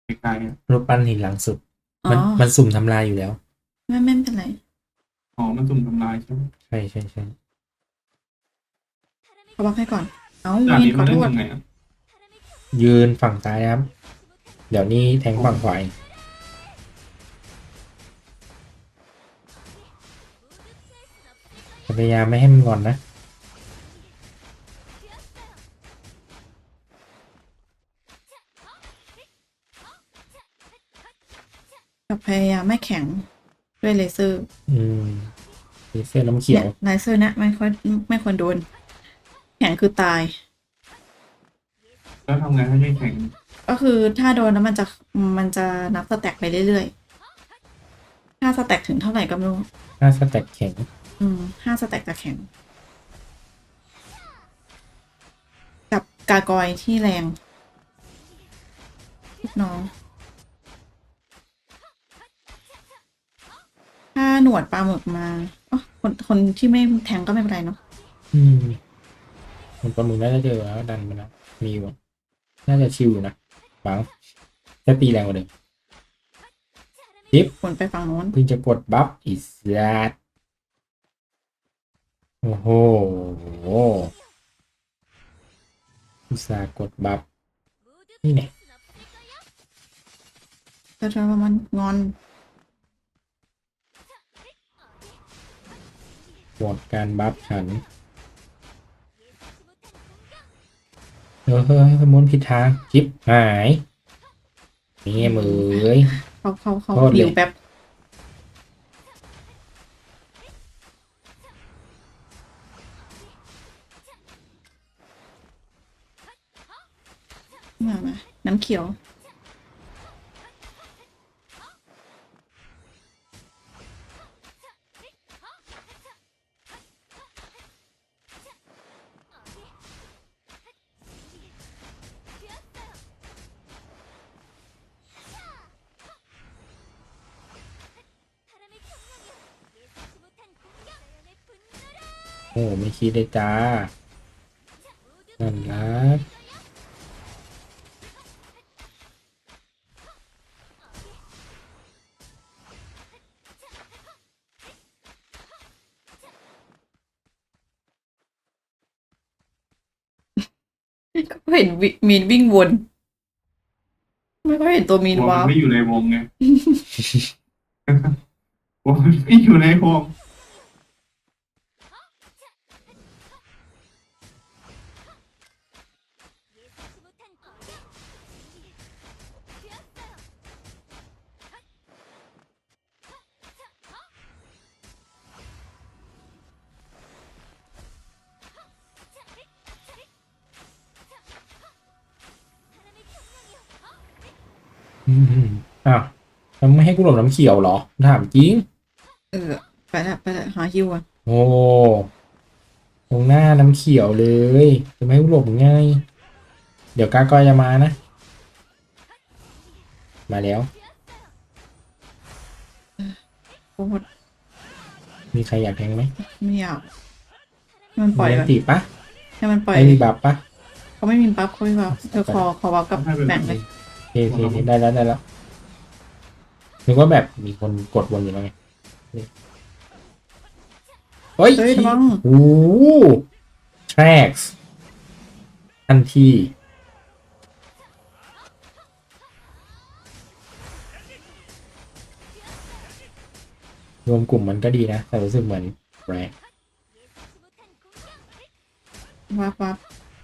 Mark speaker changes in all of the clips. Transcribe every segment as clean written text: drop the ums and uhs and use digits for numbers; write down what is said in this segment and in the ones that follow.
Speaker 1: ไกลๆอะ
Speaker 2: รูปปั้นหินหลังสุด
Speaker 3: อ๋อ
Speaker 2: มันสุ่มทำลายอยู่แล้ว
Speaker 3: ไม่เป็นไร
Speaker 1: อ๋อมันสุ่มทำลายใช่ไหม
Speaker 2: ใช่
Speaker 3: เขาบอกให้ก่อนเอา
Speaker 1: ด่านนี้มันเล่
Speaker 3: วินขอโทษ
Speaker 1: นยังไงอ่ะ
Speaker 2: ยืนฝั่งซ้ายนะครับเดี๋ยวนี้แทง
Speaker 1: อ๋อ
Speaker 2: ฝั่งขวาพยายามไม่ให้มันงอนนะ
Speaker 3: กับพยายามไม่แข็งด้วยเลเซอร์
Speaker 2: อืมมีเสื้อน้ำเขี
Speaker 3: เนี่
Speaker 2: ยว
Speaker 3: ยเลเซอร์นะไม่ควรโดนแข็งคือตาย
Speaker 1: แล้วทำไงให้ไม่แข็ง
Speaker 3: ก็คือถ้าโดนแล้วมันจะนับสแต็กไปเรื่อยๆถ้าสแต็กถึงเท่าไหร่ก็ไม่รู้
Speaker 2: หน้าสแต็กแข็ง
Speaker 3: 5 สแต็กจะแข็งกับกากอยที่แรงลูกน้องถ้าหนวดปลาหมึกมาอ๋อคนที่ไม่แทงก็ไม่เป็นไรเนาะ
Speaker 2: อืมมันประมูลน่าจะเจอแล้วดันไปแล้วมีอยู่น่าจะชิวอยู่นะบังแค่ตีแรงกว่าเดิมจิ๊บ
Speaker 3: คนไปฝั่งโน้น
Speaker 2: เพิ่งจะกดบัฟอีสัตโอ้โหอุตส่าห์กดบัฟนี่เนี่ย
Speaker 3: แต่ถ้ามันงอน
Speaker 2: หมดการบัฟฉันเฮ้ยสมุนผิดทางจิ๊บหายนี่ไงมือเอ้ย
Speaker 3: เขา
Speaker 2: โทษเลย
Speaker 3: หิวแป๊บมาน้ำเขียว
Speaker 2: โอ้ไม่คิดเลยจ้านั่นละ
Speaker 3: ก็เห็นมีนวิ่งวนไม่ก็เห็นตัวมี
Speaker 1: กลัว
Speaker 3: นวาร์ป
Speaker 1: มันไม่อยู่ในวงไงกลัวมันไม่อยู่ในวง
Speaker 2: อืมอ้าวแล้วไม่ให้กูหลบน้ำเขียวเหรอถามจริง
Speaker 3: เออไปละหาฮิวอ่ะ
Speaker 2: โอ้ตรงหน้าน้ำเขียวเลยจะไม่ให้กูหลบง่ายเดี๋ยวกากอยจะมานะมาแล้ว
Speaker 3: โคตร
Speaker 2: มีใครอยากแทงไหม
Speaker 3: ไม่อยากให้มันปล่
Speaker 2: มี
Speaker 3: อยก่อน
Speaker 2: อันติปะ
Speaker 3: ให้มันปล่อย
Speaker 2: ไอ้มีบัฟปะ
Speaker 3: เขาไม่มีปั๊บเขาไม่ปั๊บขอวับกับ
Speaker 1: ให้เป็นแบบนี้
Speaker 3: แบ่งเลย
Speaker 2: โอเคได้แล้วนึกว่าแบบมีคนกดวนอยู่แล้วไงเฮ้ย
Speaker 3: เฮ้ยระวัง
Speaker 2: โอ้ tracks ทันทีรวมกลุ่มมันก็ดีนะ แต่รู้สึกเหมือนแรง
Speaker 3: วับ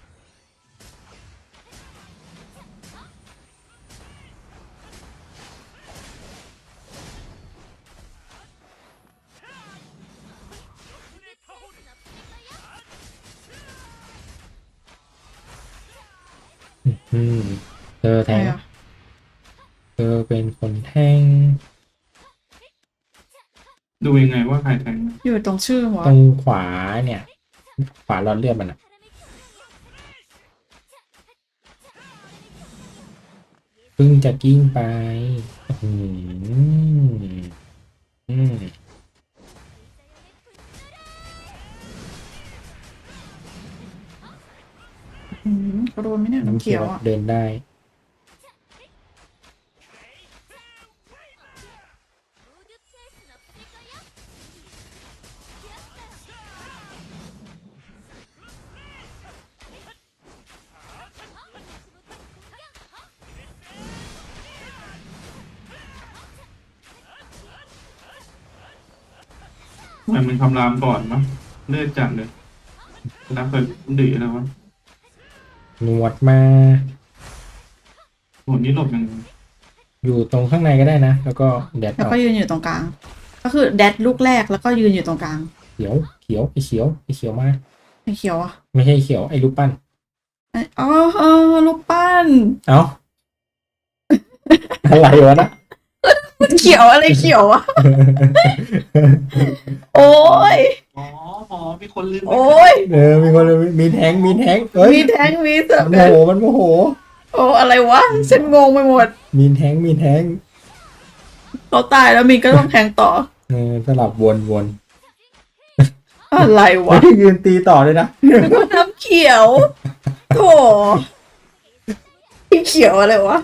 Speaker 2: อืมเธอแทง
Speaker 3: อะไรอ่ะ
Speaker 2: เธอเป็นคนแทง
Speaker 1: ดูยังไงว่าใครแทง
Speaker 3: อยู่ตรงชื่อหัว
Speaker 2: ตรงขวาเนี่ย ขวาหลอดเลือดมันอะเพิ่งจะกิ้งไปอืมอืม
Speaker 3: เขาโดนไหมเนี่ยน้ำ
Speaker 2: น้ำเขียว
Speaker 3: เขียวอ่ะ
Speaker 2: เดินได้
Speaker 1: แต่มันคำรามก่อนมั้งเลือดจัดเลยรับเปิดดื้อแล้ววะ
Speaker 2: หนวดมา
Speaker 1: โหนี่หลบยังไง
Speaker 2: อยู่ตรงข้างในก็ได้นะ แล้วก็แดด
Speaker 3: แล้ว
Speaker 2: ออก
Speaker 3: ก็ยืนอยู่ตรงกลาง ก็คือแดดลูกแรกแล้วก็ยืนอยู่ตรงกลาง
Speaker 2: เขียวเขียวไอเขียวไอเขียวมา
Speaker 3: ไอ้เขียวอ่ะ
Speaker 2: ไม่ใช่เขียวไอรูปปั้น
Speaker 3: อ๋อลูกปั้น
Speaker 2: เอ้า อะไรวะนะ
Speaker 3: มันเขียวอะไรเขียวอ่ะ โอ้ย
Speaker 1: อ๋อมีคนลืม
Speaker 3: โอ้ย
Speaker 2: มีคนมีแทงมีแทงเอ้ย
Speaker 3: มีแทงมีเสือ
Speaker 2: มันโมโหมันโมโห
Speaker 3: โอ้อะไรวะ ฉันงงไปหมด
Speaker 2: มีแทงมีแทง
Speaker 3: เขาตายแล้วมีก็ต้องแทงต่อ
Speaker 2: สลับวน
Speaker 3: อะไร
Speaker 2: ไม่
Speaker 3: วะ
Speaker 2: ได้ยืนตีต่อเลยนะ
Speaker 3: แล้วก็น้ำเขียวโถที่เขียวอะไรวะ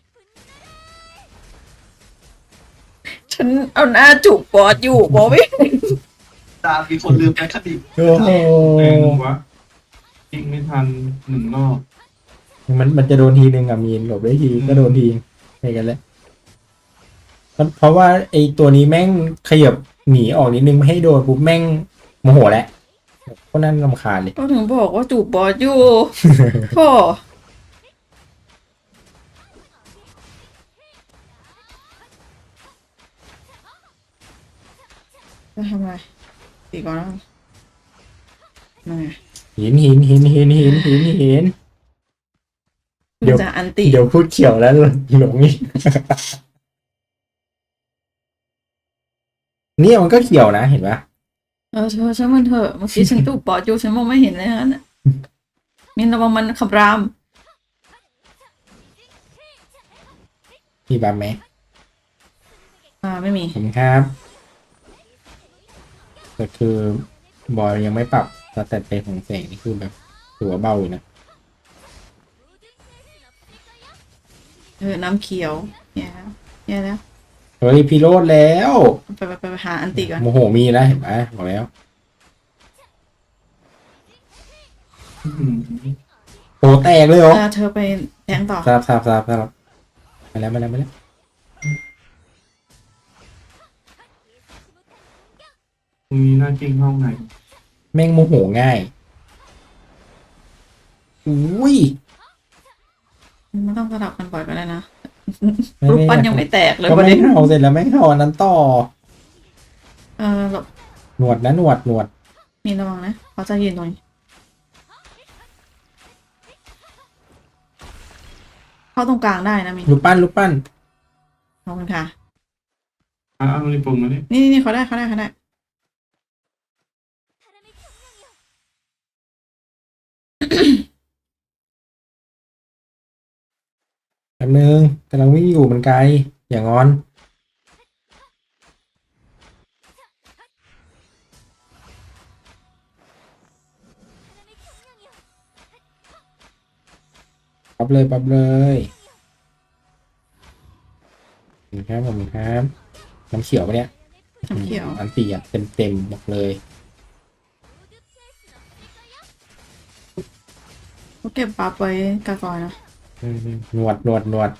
Speaker 3: ฉันเอาหน้าจูบบอสอยู่บอสไม่
Speaker 4: ตามมีคนลืมแอคดิ
Speaker 2: โอ้โห
Speaker 1: แรงวะยิงไม่ทันหนึ่งรอบ
Speaker 2: มันจะโดนทีนึงอะมีนหลบได้ทีก็โดนทีไปกันแล้วเพราะว่าไอตัวนี้แม่งขยับหนีออกนิดนึงไม่ให้โดนปุ๊บแม่งโมโหแล้วก็นั่นรำคาญเลย
Speaker 3: ก็ถึงบอกว่าจูบบอสอยู่โถจะทำอะไรตีก่อนแล้วนั่นไง
Speaker 2: หิน เดี๋ยว
Speaker 3: จะอันติ
Speaker 2: เดี๋ยวพูดเขียวแล้วหลงอีกเนี่ยมันก็เขียวนะเห็นปะ
Speaker 3: เธอช่างมันเถอะเมื่อกี้ฉันจูบบอสอยู่ฉันมองไม่เห็นเลยฮะน่ะมินระวังมันขับราม
Speaker 2: มีบัมไหม
Speaker 3: ไม่มี
Speaker 2: ผมครับแต่คือบอยยังไม่ปรับสเตตเป็นของแสงนี่คือแบบตัวเบาอยู่นะ
Speaker 3: น้ำเขียวเนี่ยแล้ว
Speaker 2: เฮ้ยพี่โรดแล้ว
Speaker 3: ไปหาอันติก่อน
Speaker 2: โมโหมีแล้วเห็นปะบอกแล้ว
Speaker 1: อื้อหือ
Speaker 2: โอ้แตกเลยเหรอ
Speaker 3: เธอไปแทงต่อ
Speaker 2: สลับมาแล้ว
Speaker 1: มีหน้าจริงห้องไหน
Speaker 2: แม่งโมโหง่ายอุ้ย
Speaker 3: มันต้องสลับกันบ่อยก็ได้นะ
Speaker 2: ไม่
Speaker 3: รูปปั้นยังไม่แตกเลย
Speaker 2: ก็
Speaker 3: ประ
Speaker 2: ไม่
Speaker 3: เด็น
Speaker 2: เห่าเสร็จแล้วแม่งเห่าอันนั้นต่อ
Speaker 3: หลบ
Speaker 2: หนวดนะหนวด
Speaker 3: มีระวังนะเขาจะยืนตรงนี้เข้าตรงกลางได้นะมิน
Speaker 2: รูปปั้น
Speaker 3: ขอบคุณค่ะ
Speaker 1: เอาในปุ่มมาดิ
Speaker 3: นี่เขาได้
Speaker 2: แป๊บนึงกำลังวิ่งอยู่มันไกลอย่างงอนปั๊บเลยผมครับน้ำเขียวปะเนี่ย
Speaker 3: น้ำเขียว
Speaker 2: อันตีอ่ะเต็มบอกเลย
Speaker 3: เขาเก็บบัฟไว้กากอยนะ
Speaker 2: หนวด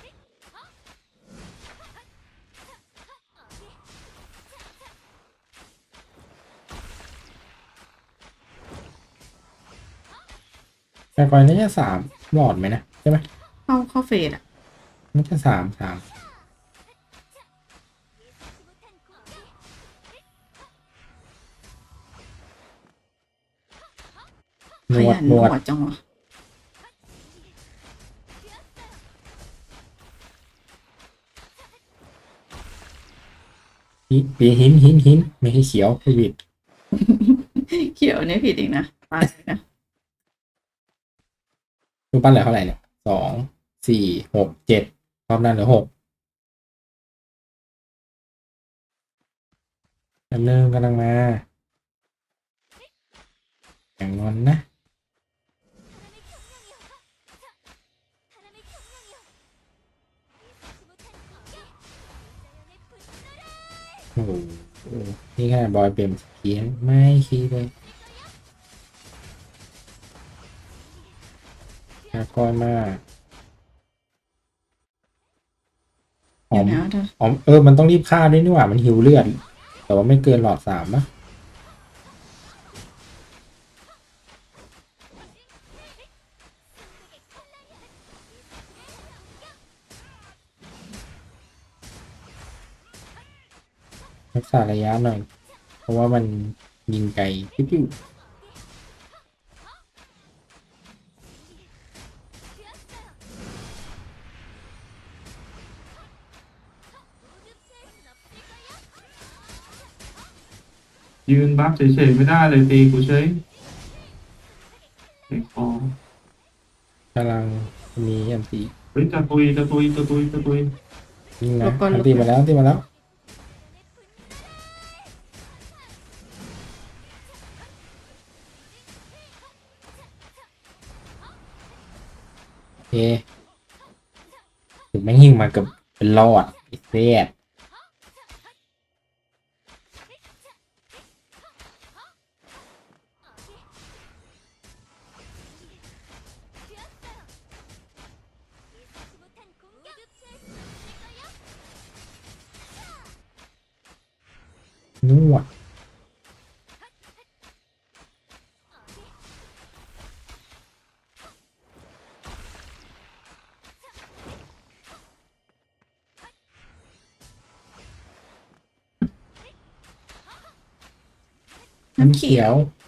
Speaker 2: แต่ก่อนน่าจะ3 หลอดไหมนะใช่ไหม
Speaker 3: เข้าเฟสอ่ะ
Speaker 2: น่าจะ3หน
Speaker 3: ข
Speaker 2: ว
Speaker 3: ยั
Speaker 2: ด
Speaker 3: นหนวดจังวะ
Speaker 2: ปีหินไม่ให้เขียวคือบิด
Speaker 3: เขียวเนี่ยผิดอีกนะตายนะ
Speaker 2: รูปปั้นเหลือเท่าไหร่เนี่ย2 4 6 7รอบนั้นเหลือ6กำลังมาอย่างนอนนะโอ้โหนี่ขนาดบอยเปลี่ยนเขียนไม่คิดเลยน่ากลัวมากหอ
Speaker 3: เดี๋ยว
Speaker 2: ม
Speaker 3: นะเธอ
Speaker 2: มันต้องรีบฆ่าด้วยนี่หว่ามันหิวเลือด แต่ว่าไม่เกินหลอด3ปะรักษาระยะหน่อย เพราะว่ามันยิงไกลปิ๊ว
Speaker 1: ยืนบัฟเฉยๆไม่ได้เลยตีกูเฉยไอ้คอ
Speaker 2: ๆกำลังมีอันตี
Speaker 1: เฮ้ยจะตุย
Speaker 2: ยิง
Speaker 3: หล
Speaker 2: นะ
Speaker 3: บก่อนห
Speaker 2: อั
Speaker 3: ล
Speaker 2: น
Speaker 3: บ
Speaker 2: ตี
Speaker 3: ก่อ
Speaker 2: มาน แล้วอันตีมาแล้วโอเคถึงแม่งยิงมาเกือบเป็นรอดไอ้เสีย นวด
Speaker 3: น้ำเขียว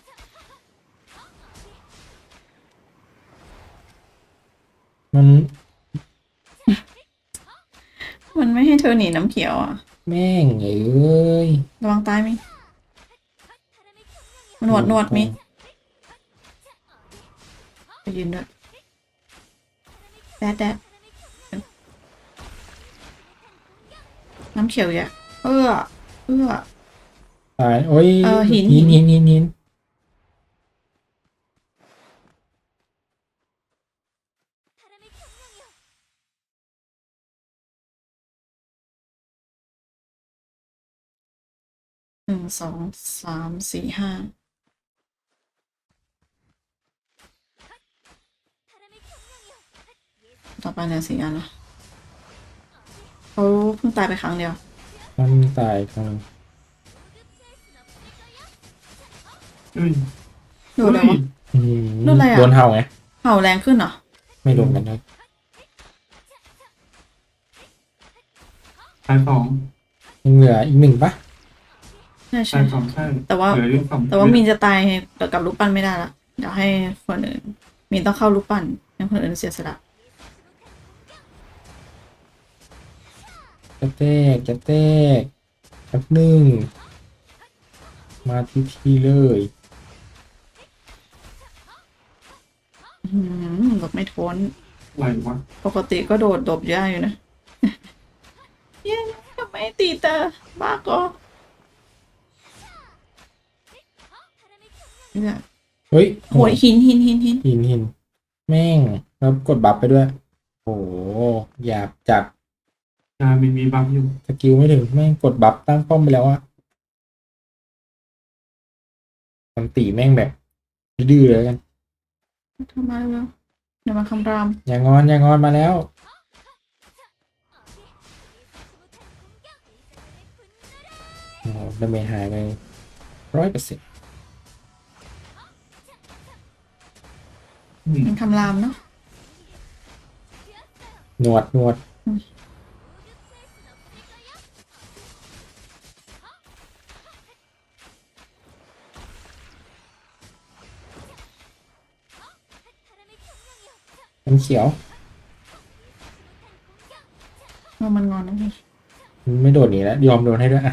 Speaker 2: มัน
Speaker 3: มันไม่ให้เธอหนีน้ำเขียวอ่ะ
Speaker 2: แม่งเอ้ย
Speaker 3: ระวังตายมิหนวดมิไปยืนด้วยแดดน้ำเขียวอย่าเอื้อ
Speaker 2: ตายโอ้ย
Speaker 3: หิน
Speaker 2: หิน
Speaker 3: 1 2 3 4 5ต่อไปเหลือ4 อันละเขาเพิ่งตายไปครั้งเดียว
Speaker 2: มันตายครั้ง
Speaker 1: เฮ้ย
Speaker 3: ดูเลยวะ
Speaker 2: อืม
Speaker 3: โดนอะไรอะ
Speaker 2: โดนเห่าไง
Speaker 3: เห่าแรงขึ้นเหรอ
Speaker 2: ไม่รวมกันนะ
Speaker 1: ตายสอง
Speaker 2: ยังเหลืออีกหนึ่งปะ
Speaker 3: ใช่
Speaker 1: ตายสองใช่
Speaker 3: แต่ว่า
Speaker 1: เหลืออยู่สอง
Speaker 3: แต่ว่ามีนจะตายกับลูกปั้นไม่ได้ละเดี๋ยวให้คนอื่น มีนต้องเข้าลูกปั้นให้คนอื่นเสียสละ
Speaker 2: จะแตกแป๊บหนึ่งมาทีเลย
Speaker 3: หลบไม่พ้น
Speaker 1: ไหววะ
Speaker 3: ปกติก็โดดหลบยากอยู่นะ เย้ทำไมตีตาบ้าก็เนี่ย
Speaker 2: เฮ้ย
Speaker 3: โหยหิน
Speaker 2: หินแม่งแล้วกดบัฟไปด้วย โอ้โหหยาบจัด
Speaker 1: ยามีบัฟอยู่
Speaker 2: สกิลไม่ถึงแม่งกดบัฟตั้งป้อมไปแล้วอะมันตีแม่งแบบดื้อๆเลยกัน
Speaker 3: ทำไมวะเดี๋ยวมาคำราม
Speaker 2: อย่างอนมาแล้วโอ้โหดาเมจหายไป100%
Speaker 3: เป็นคำรามเนาะ
Speaker 2: หนวดมันเขียว
Speaker 3: มันงอนนะพี่
Speaker 2: มันไม่โดดหนีแล้วยอมโดนให้ด้วยอ่ะ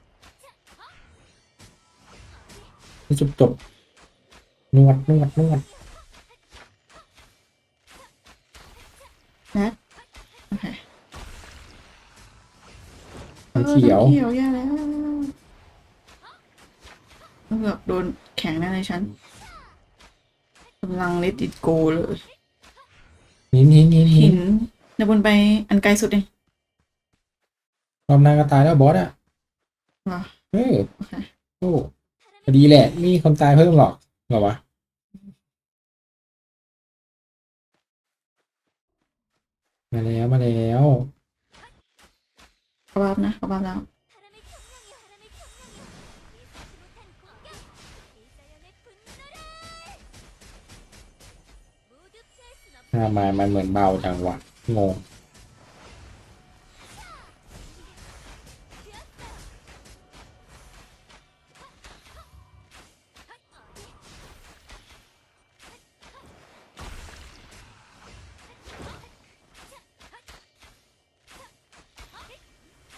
Speaker 2: นี่จบนวด
Speaker 3: นะโอเค
Speaker 2: มันเขียว
Speaker 3: เขียวแย่แล้วเกือบโดนแข็งแน่เลยฉันกำลังเลติดโกเลย
Speaker 2: หิน
Speaker 3: หินเดี๋ยวบนไปอันไกลสุดเอง
Speaker 2: รอบหน้าก็ตายแล้วบอสอ่ะ
Speaker 3: เหรอ
Speaker 2: เออ
Speaker 3: โอเค
Speaker 2: โอ้พอดีแหละไม่มีคนตายเพิ่มหรอกเหรอวะมาแล้ว
Speaker 3: กระบาบนะกระบาบแล้ว
Speaker 2: มันเหมือนเบาจังวะงง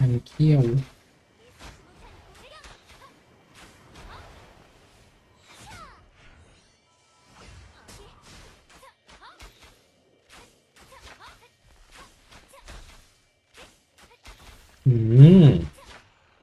Speaker 2: มันเขี้ยว อืม